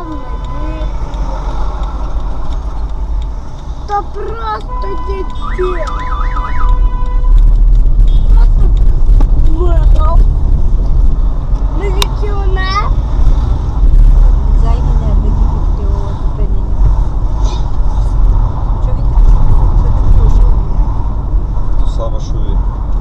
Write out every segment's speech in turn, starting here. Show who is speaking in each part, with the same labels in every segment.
Speaker 1: діти. Та просто діти. Просто виграв. Міліціонер.
Speaker 2: Зайві нерви діти його зупинені. Що він так дуже?
Speaker 3: То саме, що він.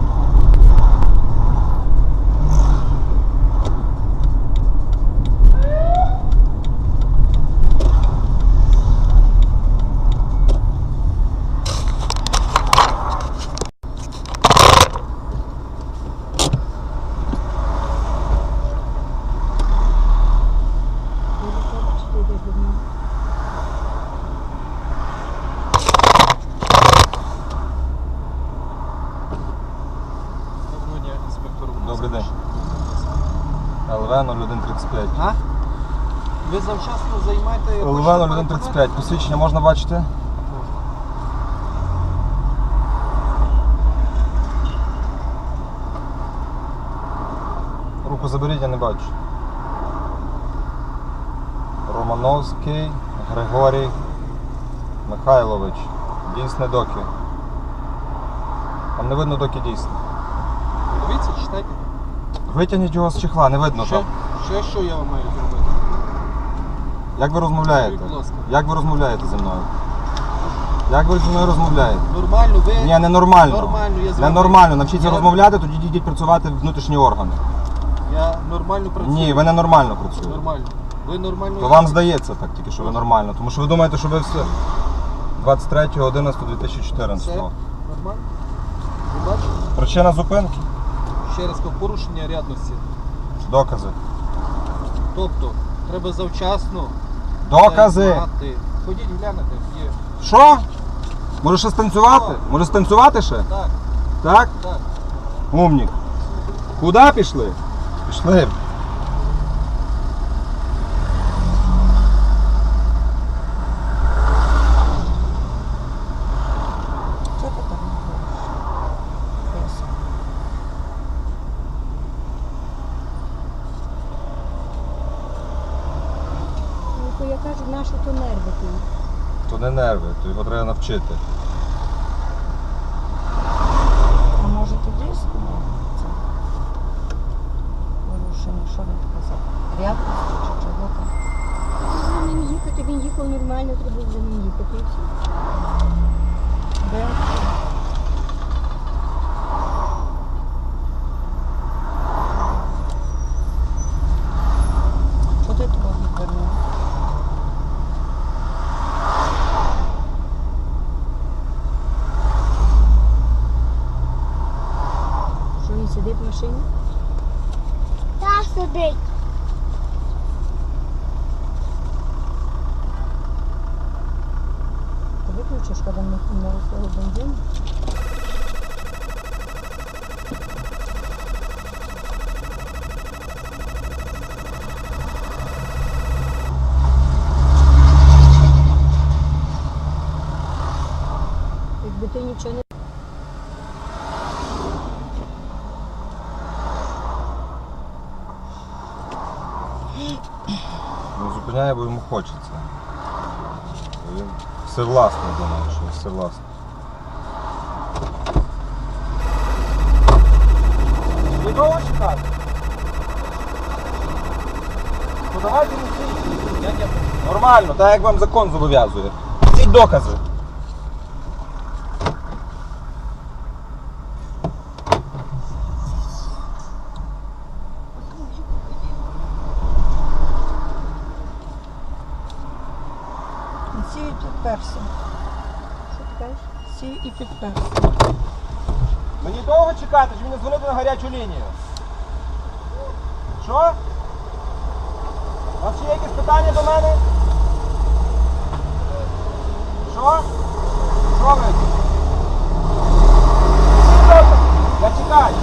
Speaker 3: Добрий день. ЛВ 0135.
Speaker 4: А? Ви завчасно займаєте...
Speaker 3: ЛВ 0135. Посвідчення можна бачити? Руку заберіть, я не бачу. Романовський Григорій Михайлович. Дійсне доки. Там не видно доки дійсне.
Speaker 4: Дивіться, читайте.
Speaker 3: Витягніть його з чехла, не видно там.
Speaker 4: Що я вам маю зробити?
Speaker 3: Як ви розмовляєте?
Speaker 4: Будь ласка.
Speaker 3: Як ви розмовляєте зі мною? Як ви зі мною розмовляєте?
Speaker 4: Нормально, ви...
Speaker 3: Ні, ненормально.
Speaker 4: Нормально, я з вами...
Speaker 3: Ненормально. Навчіться
Speaker 4: Я-
Speaker 3: розмовляти, тоді йдіть працювати в внутрішні органи.
Speaker 4: Я нормально працюю.
Speaker 3: Ні, ви ненормально працюєте.
Speaker 4: Нормально. Ви нормально...
Speaker 3: То вам здається так тільки, що ви нормально. Тому що ви думаєте, що ви все 23.11.2014.
Speaker 4: Все? Нормально? Ви бачите?
Speaker 3: Причина зупинки?
Speaker 4: Ще раз кажу, порушення рядності.
Speaker 3: Докази.
Speaker 4: Тобто, треба завчасно...
Speaker 3: Докази!
Speaker 4: знати. Ходіть, глянете, є.
Speaker 3: Що? Може ще станцювати? Може станцювати ще?
Speaker 4: Так,
Speaker 3: Так?
Speaker 4: так.
Speaker 3: Умнік. Куди пішли? Пішли.
Speaker 2: Що ти там говориш? Ну, я кажу, нашу то нерви ти.
Speaker 3: То не нерви, то його треба навчити.
Speaker 2: А може тоді це порушення, що він казав? Рядності чи чого там?
Speaker 1: За ним їхати, він їхав нормально, треба за ним їхати. І все.
Speaker 2: Де? Що ти того відвернув?
Speaker 1: Що він сидить в машині? Так, сидить.
Speaker 2: Ти виключиш, коли ми на свого бензину?
Speaker 1: Якби ти нічого не...
Speaker 3: Він зупиняє, бо йому хочеться. Він всевласний думає, що всевласний. Ви довго чекати? Подавайте мені. Нормально, так як вам закон зобов'язує. Ці докази.
Speaker 2: Сію і підперся.
Speaker 1: Що ти кажеш?
Speaker 2: Сію і підперся.
Speaker 3: Мені довго чекати, чи мені дзвонити на гарячу лінію? Що? У вас ще є якісь питання до мене? Що? Що ви? Я чекаю.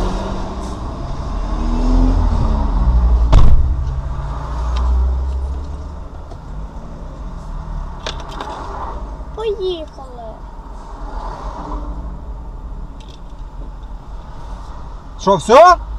Speaker 1: Поїхали.
Speaker 3: Що, все?